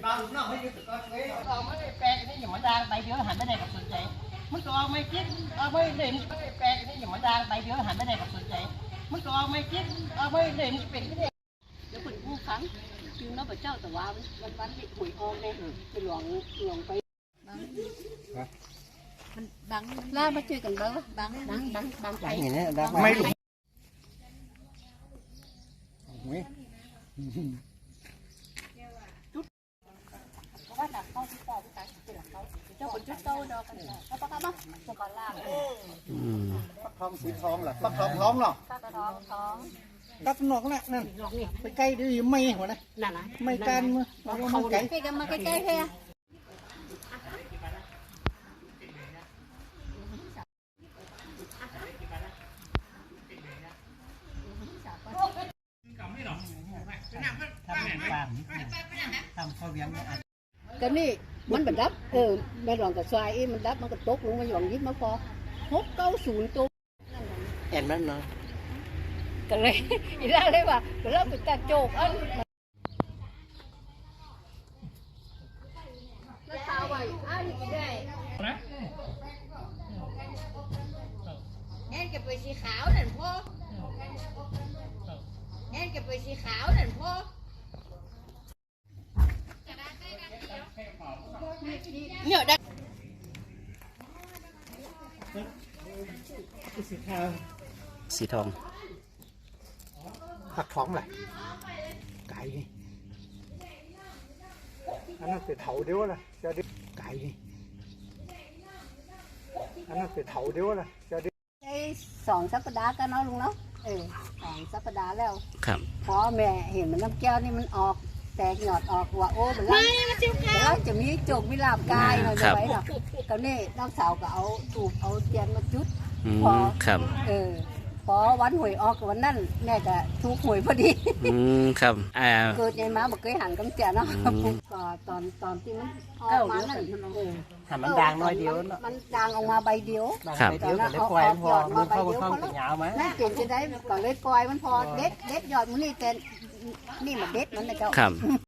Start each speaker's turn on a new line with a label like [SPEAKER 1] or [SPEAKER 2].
[SPEAKER 1] bao lúc nào mới được con quế nó mới phe cái gì mà đang bay đứa hành bên đây gặp sườn chạy mới có mấy chiếc mới điểm phe cái gì mà đang bay đứa hành bên đây gặp sườn chạy mới có mấy chiếc mới điểmเป็นcáiเดี๋ยวคนกู้ครั้งคือน้องพระเจ้าแต่ว่าวันที่หวยออกเนี่ยไปหลวงไปมันบังล่ามาช่วยกันเบ้อบังใจอย่างนี้ไม่หลงเพราะว่าหนักเข้าที่ต่อที่ตายเป็นหลักเขาเจ้าคนชุดโตดอกกันเขาปะครับจะก่อนล่าปักทองสีทองเหรอปักทองท้องเหรอปักทองท้องตักนอกนั่นไปใกล้ดิไม่หัวนะนั่นนะไม่กันมือเขาใกล้กันมาใกล้ๆแค่ทำข้าวเวียงก็นี่มันบัดดับแม่หลวงกับทรายมันดับมันก็ตกลงมาหย่อนยิบมาพอ690ตัวเห็นมันเนาะก็เลยอีล่าเลยว่าเราไปตัดโจกอันแล้วตาไว้อันนี้ได้แอนเก็บไปสีขาวนั่นพ่อแอนเก็บไปสีขาวนั่นพ่อเนี่ยได้สีทองผักท้องแหละไก่นี่อันนั้นเป็นเถาเดียวละจะได้ไก่นี่อันนั้นเป็นเถาเดียวละจะได้2 สัปดาห์กันเนาะลุงเนาะ2 สัปดาห์แล้วครับพอแม่เห็นมันน้ำแก้วนี่มันออกแตกหยอดออกว่าโอ้มันแล้วจะมีโจกมีลาบกายหน่อยไว้หรอกก็นี่น้องสาวก็เอาถูกเอาเทียนมาจุดพอครับพอวันหวยออกวันนั้นแม่จะถูกหวยพอดีครับเกิดในมาบอกเคยหันกำเจียเนาะก็ตอนที่มันออกมานั่นมันดังน้อยเดียวมันดังออกมาใบเดียวตอนนั้นเอาหยอดมาใบเดียวเขาแม่เปลี่ยนจะได้ก็เลยปล่อยมันพอเด็ดหยอดมันนี่แต่นี่มันเด็ดมันนะเจ้า